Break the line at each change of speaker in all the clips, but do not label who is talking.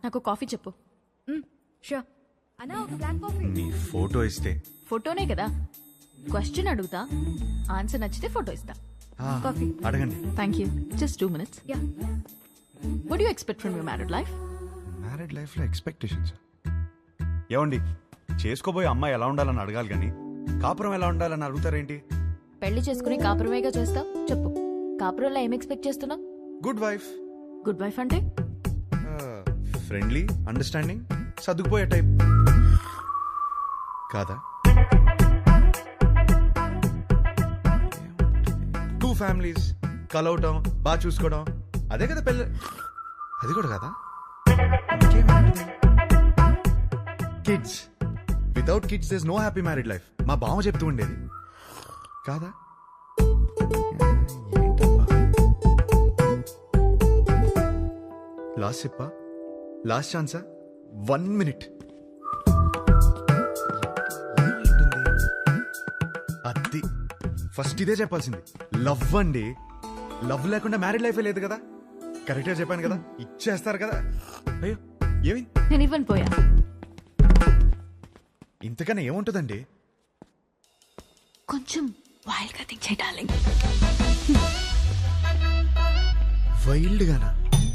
నాకు కాఫీ చెప్పు.
షూర్ అన్నా, ఒక బ్లాక్ కాఫీ.
నీ ఫోటో ఇస్తే
ఫోటోనే కదా, క్వశ్చన్ అడుగుతా, ఆన్సర్ నచ్చితే ఫోటో ఇస్తా.
కాఫీ.
అడగండి.
Thank you. Just 2 minutes.
యా.
What do you expect from your married life?
Married life లో ఎక్స్పెక్టేషన్స్ ఏమండి, చేసుకోబోయే అమ్మాయి ఎలా ఉండాలని అడగాలి కానీ కాపురం ఎలా ఉండాలని అడుగుతారేంటి?
పెళ్లి చేసుకుని కాపురమేగా చేస్తావు. చెప్పు, కాపురంలో ఏం ఎక్స్పెక్ట్ చేస్తున్నావు?
గుడ్ వైఫ్,
గుడ్ వైఫ్ అంటే
ఫ్రెండ్లీ, అండర్స్టాండింగ్, సర్దుకుపోయే టైప్ కాదా? 2 families కలవటం, బాగా చూసుకోవడం, అదే కదా పెళ్ళి. అది కూడా కదా. Kids, without kids there is no happy married life. మా బావ చెప్తూ ఉండేది కాదా? లాస్ట్ చెప్పా, లాస్ట్ ఛాన్సా, 1 minute. అది ఫస్ట్ ఇదే చెప్పాల్సింది. లవ్ అండి, లవ్ లేకుండా మ్యారీడ్ లైఫే లేదు కదా. కరెక్ట్ గా చెప్పాను కదా, ఇచ్చేస్తారు కదా. అయ్యో ఏమి,
నేను ఇవ్వను పోయా.
ఇంతకన్నా ఏముంటుందండి?
కొంచెం వైల్డ్ గా థింక్ చేయి డార్లింగ్.
వైల్డ్ గానా?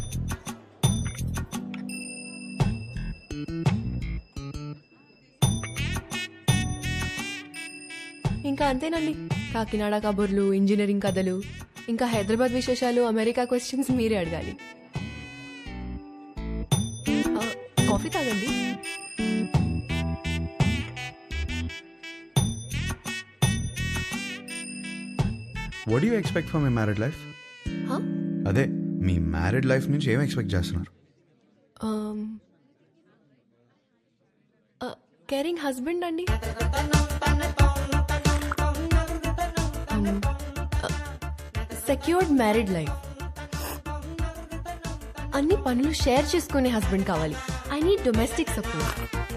ఇంకా అంతేనండి. కాకినాడ కబుర్లు, ఇంజనీరింగ్ కథలు, ఇంకా హైదరాబాద్ విశేషాలు, అమెరికా క్వశ్చన్స్ మీరే అడగాలి. కాఫీ తాగండి.
What you expect from my married life? అదే మీ మ్యారీడ్ లైఫ్ నుంచి ఏం ఎక్స్పెక్ట్ చేస్తున్నారు?
కేరింగ్ హస్బెండ్ అండి. Secured married life. అన్ని పనులు షేర్ చేసుకునే హస్బెండ్ కావాలి. I need domestic support.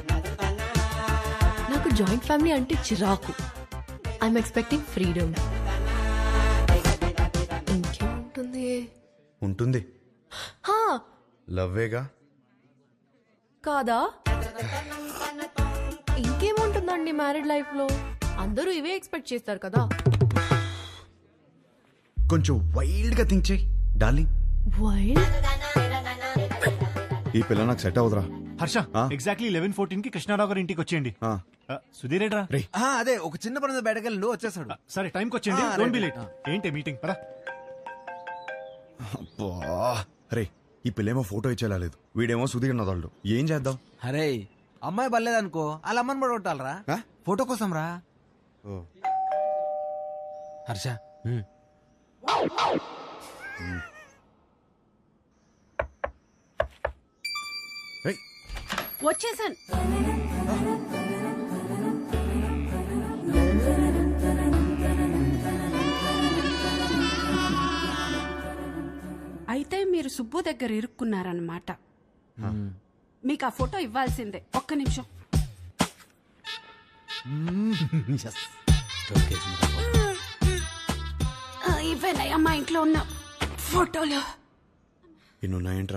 నాకు జాయింట్ ఫ్యామిలీ అంటే చిరాకు. I'm expecting freedom. ఇంకేముంటుంది?
ఉంటుంది, లవ్వేగా.
కాదా? ఇంకేముంటుందండి మ్యారీడ్ లైఫ్ లో? అందరూ ఇవే ఎక్స్పెక్ట్ చేస్తారు కదా.
కొంచెం వైల్డ్ గా థింక్ చేయి డార్లింగ్.
వైల్డ్?
ఈ పిల్ల నాకు సెట్ అవుదరా.
హర్ష, ఎగ్జాక్ట్లీ 11:14 కి కృష్ణారావు గారి ఇంటికి వచ్చేయండి. సుధీర్ ఏడ్రా?
అదే ఒక చిన్న పని బయటకెళ్ళి వచ్చేసాడు.
సరే టైంకి వచ్చేయండి, డోంట్ బి లేట్. ఏంటి మీటింగ్? పరా.
రే, ఈ పిల్లేమో ఫోటో ఇచ్చేలా లేదు, వీడేమో సుధీర్ నదాళ్ళు. ఏం చేద్దాం?
అరే అమ్మాయి బలేదనుకో, వాళ్ళ అమ్మని కూడా కొట్టాలరా ఫోటో కోసం రా. హర్ష
వచ్చేసాను. అయితే మీరు సుబ్బు దగ్గర ఇరుక్కున్నారన్నమాట. మీకు ఆ ఫోటో ఇవ్వాల్సిందే. ఒక్క నిమిషం. ఇవేనయ్యా మా ఇంట్లో ఉన్న ఫోటోలు.
ఇన్నున్నాయంట్రా.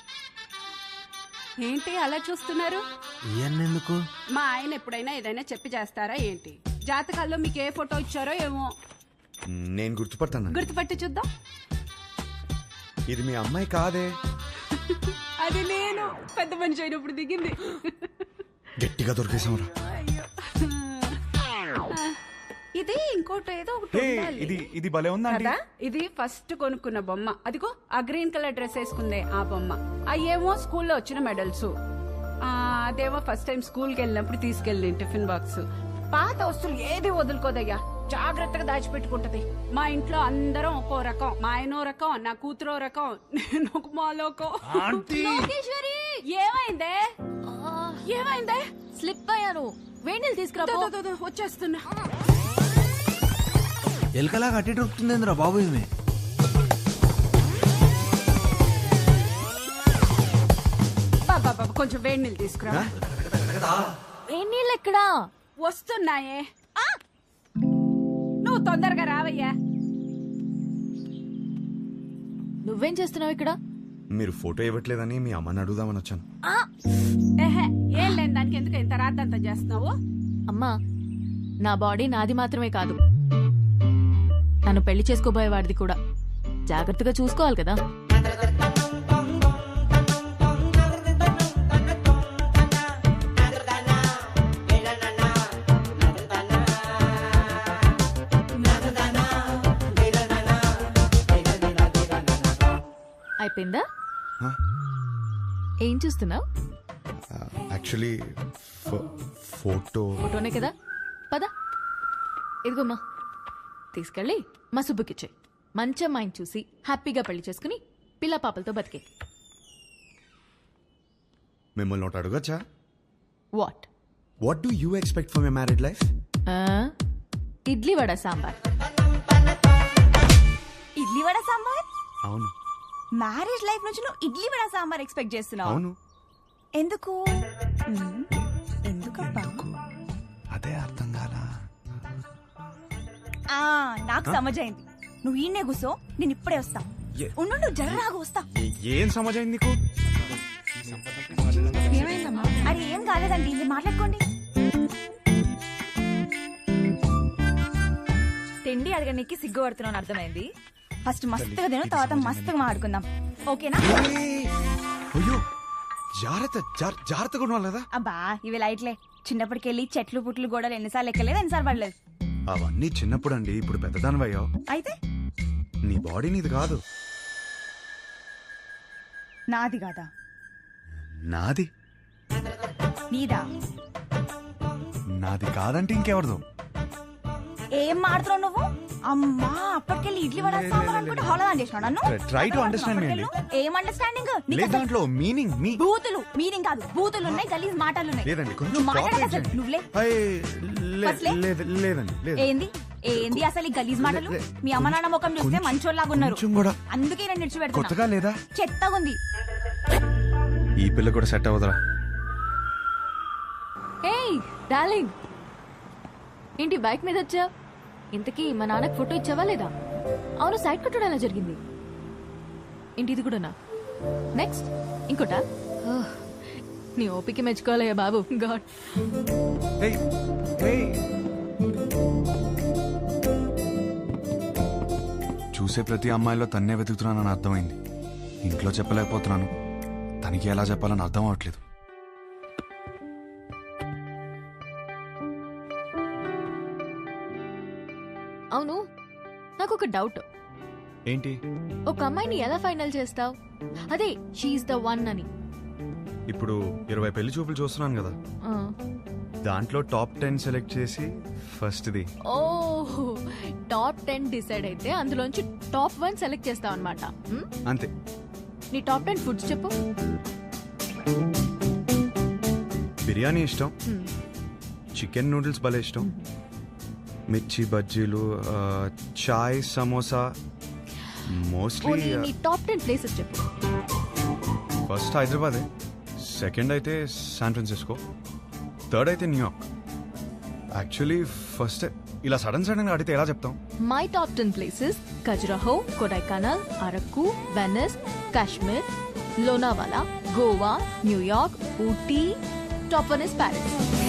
ఏంటి అలా చూస్తున్నారు?
ఎందుకు?
మా ఆయన ఎప్పుడైనా ఏదైనా చెప్పి చేస్తారా ఏంటి? జాతకాల్లో మీకు ఏ ఫోటో ఇచ్చారో ఏమో.
నేను గుర్తుపడతాను.
గుర్తుపట్టి చూద్దాం.
ఇది మీ అమ్మాయి కాదే.
అది నేను పెద్ద మనిషి అయినప్పుడు దిగింది.
గట్టిగా దొరికేసాంరా.
ఇది ఇంకోటి ఏదో ఒకటి ఉండాలి.
ఇది భలే ఉందా
కదా? ఇది ఫస్ట్ కొనుక్కున్న బొమ్మ. అదిగో ఆ గ్రీన్ కలర్ డ్రెస్ వేసుకుందే ఆ బొమ్మ. అయ్యేమో స్కూల్లో వచ్చిన మెడల్స్. అదేమో ఫస్ట్ టైం స్కూల్కి వెళ్ళినప్పుడు తీసుకెళ్ళి టిఫిన్ బాక్స్. పాత వస్తువులు ఏది వదులుకోదయ్యా, జాగ్రత్తగా దాచిపెట్టుకుంటది. మా ఇంట్లో అందరం ఒక్కో రకం. మా ఆయనో రకం, నా కూతురో రకం, నేను ఒక మాలోకం.
లోకేశ్వరి,
ఏమైందే? ఏమైందే?
స్లిప్ అయ్యాను. వేణీలు తీసుకురా.
వచ్చేస్తున్నా.
ఎలకలా కట్టి దొరుకుతుందిరా బాబు. ఇవి
కొంచెం వేడి నీళ్ళు తీసుకురా.
వేణీళ్ళు ఎక్కడా?
వస్తున్నాయే. నువ్వు తొందరగా రావయ్యా.
నువ్వేం చేస్తున్నావు ఇక్కడ?
మీరు ఫోటో ఇవ్వట్లేదని మీ అమ్మని అడుగుదామని వచ్చాను.
ఏహే, ఏం లేని దానికి ఎందుకు ఇంత రాద్దంతా చేస్తున్నావు?
అమ్మా నా బాడీ నాది మాత్రమే కాదు, నన్ను పెళ్లి చేసుకోబోయేవాడిది కూడా. జాగ్రత్తగా చూసుకోవాలి కదా. అయిపోయిందా?
Huh?
ఏం చూస్తున్నావు?
Actually photo.
ఫోటోనే కదా, పద. ఇదిగోమ్మా, తీసుకెళ్ళి మా సుబ్బుకిచ్చే. మంచి అమ్మాయిని చూసి హ్యాపీగా పెళ్లి చేసుకుని పిల్ల పాపలతో బతికే.
మిమ్మల్ని ఒకటి అడగచ్చా?
What?
What do you expect for my married life?
Idli vada sambar.
Idli vada sambar?
అవును.
మ్యారేజ్ లైఫ్ నుంచి నువ్వు ఇడ్లీ వడ సాంబార్ ఎక్స్పెక్ట్ చేస్తున్నావు?
అవును.
ఎందుకు? ఎందుకబ్బా?
అదే అర్థం కాలా.
నాకు సమజైంది. నువ్వు ఈయనే కూసో, నేను ఇప్పుడే వస్తా.
ఏ-
ఉండు, జర్రాగా వస్తా.
ఏం సమాజం నీకు?
అరే ఏం కాలేదండి, మీరు మాట్లాడుకోండి. తిండి అడగడానికి సిగ్గు పడుతున్నాను అర్థమైంది. ఫస్ట్ మస్తుగా తిను, తర్వాత మస్తుగా మాట్లాడుకుందాం, ఓకేనా?
అయ్యో జాగ్రత్త, జాగ్రత్తగా ఉండాలి కదా.
అబ్బా ఇవి లైట్లే. చిన్నప్పటికెళ్ళి చెట్లు పుట్లు గోడలు ఎన్నిసార్లు ఎక్కలేదు, ఎన్నిసార్లు పడలేదు.
అవన్నీ చిన్నప్పుడు అండి, ఇప్పుడు పెద్దదానివయ్యావు.
అయితే
నీ బాడీ నీది కాదు.
నాది కాదా?
నాది.
నీదా?
నాది కాదంటే ఇంకెవరిదో.
ఏం మాడుతున్నావు నువ్వు? అమ్మా అప్పటికెళ్ళి ఇడ్లీ వడ సాంబార్ అనుకుంటే హోళదాన్ చేసినావు నన్ను.
Try to understand me అండి.
ఏం అండర్స్టాండింగ్?
లేదు దాంట్లో మీనింగ్ మీ
బూతులు మీనింగ్ కాదు, బూతులు ఉన్నాయి, గలీజ్ మాటలు ఉన్నాయి.
లేదండి, కొంచెం
నువ్వు మాట్లాడక
cooperate
అసలు
చేయండి.
నువ్వులే. ఫస్ట్లే?
లేదండి లేదు.
ఏంది ఏంది అసలు ఈ గలీజ్ మాటలు?
లే,
మీ అమ్మ నాన్న ముఖం చూస్తే
కొంచెం-
మంచోళ్ళలాగా ఉన్నారు,
కొంచెం కూడా
అందుకే నేను నిడిచిపెడుతున్నా.
కొత్తగా లేదా?
చెత్తగా ఉంది.
ఈ పిల్ల కూడా సెట్ అవ్వదురా.
ఏయ్ డార్లింగ్, ఏంటి బైక్ మీద వచ్చా? ఇంతకీ మా నాన్నకి ఫోటో ఇచ్చావా లేదా? అవును, సైడ్ కొట్టడం ఎలా జరిగింది? ఏంటి ఇది కూడానా? నెక్స్ట్ ఇంకోటా? ఓహ్, నీ ఓపిక మెచ్చుకోవాలయ్యా బాబు. గాడ్.
Hey, hey. చూసే ప్రతి అమ్మాయిలో తన్నే వెతుకుతున్నానని అర్థమైంది. ఇంట్లో చెప్పలేకపోతున్నాను, తనకి ఎలా చెప్పాలని అర్థం అవట్లేదు.
అవును, నాకు ఒక డౌట్.
ఏంటి?
ఒక అమ్మాయిని ఎలా ఫైనల్ చేస్తావు? అదే షీఈస్ ద వన్ అని.
ఇప్పుడు 20 పెళ్లి చూపులు చూస్తున్నాను కదా,
ఆ.
దాంట్లో టాప్ 10 సెలెక్ట్ చేసి ఫస్ట్ది.
ఓహ్, టాప్ 10 డిసైడ్ అయితే అందులోంచి టాప్ 1 సెలెక్ట్ చేస్తావు అనమాట.
అంతే.
నీ టాప్ 10 ఫుడ్స్ చెప్పు.
బిర్యానీ ఇష్టం, చికెన్ నూడిల్స్ భలే ఇష్టం, మిర్చి బజ్జీలు, చాయ్, సమోసా. మోస్ట్లీ
నీ టాప్ 10 ప్లేసెస్ చెప్పు.
ఫస్ట్ హైదరాబాదే, సెకండ్ అయితే శాన్ ఫ్రాన్సిస్కో, థర్డ్ అయితే న్యూయార్క్. యాక్చువల్లీ ఫస్ట్ ఇలా సడన్ గా అడిగితే ఎలా చెప్తాం?
My top 10 places: Khajuraho, Kodaikanal, Araku, Venice, Kashmir, Lonavala, Goa, New York, Ooty. Top 1 is Paris.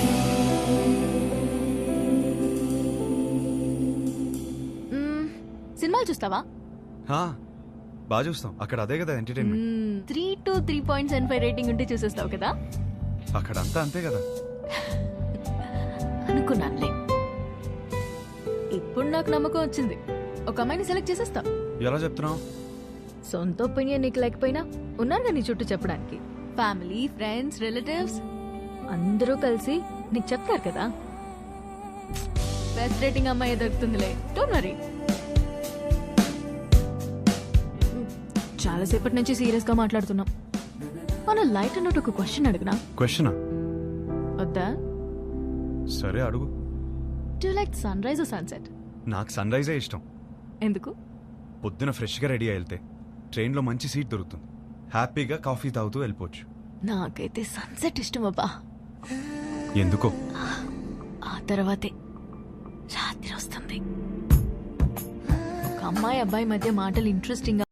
సినిమాలు చూస్తావా?
బాగా చూస్తాం, అక్కడ అదే కదా ఎంటర్టైన్మెంట్.
3 to 3.75 రేటింగ్ ఉంటే చూసేస్తావు కదా.
అక్కడ అంతా అంతే కదా.
అనుకున్నానులే. ఇప్పుడు నాకు నమ్మకం వచ్చింది, ఒక అమ్మాయిని సెలెక్ట్ చేసేస్తావు.
ఎలా చెప్తున్నావు?
సొంత ఒపీనియన్ నీకు లేకపోయినా ఉన్నారు నీ చుట్టూ చెప్పడానికి. ఫ్యామిలీ, ఫ్రెండ్స్, రిలేటివ్స్ అందరూ కలిసి నీకు చెప్తారు కదా. బెస్ట్ రేటింగ్ అమ్మాయి దొరుకుతుందిలే, డోంట్ వరీ. చాలాసేపటి నుంచి సీరియస్ గా మాట్లాడుతున్నాం. మన లైట్ అన్నట్టు ఒక క్వశ్చన్ అడిగినా?
క్వశ్చనా?
వద్దా?
సరే అడుగు.
Do like sunrise or sunset?
నాకు సన్ రైజే ఇష్టం.
ఎందుకు?
పొద్దున ఫ్రెష్గా రెడీ అయి వెళ్తే ట్రైన్లో మంచి సీట్ దొరుకుతుంది, హ్యాపీగా కాఫీ తాగుతూ వెళ్ళిపోవచ్చు.
నాకైతే సన్సెట్ ఇష్టం అబ్బా.
ఎందుకో?
ఆ తర్వాతే రాత్రి వస్తుంది. ఒక అమ్మాయి అబ్బాయి మధ్య మాటలు ఇంట్రెస్టింగ్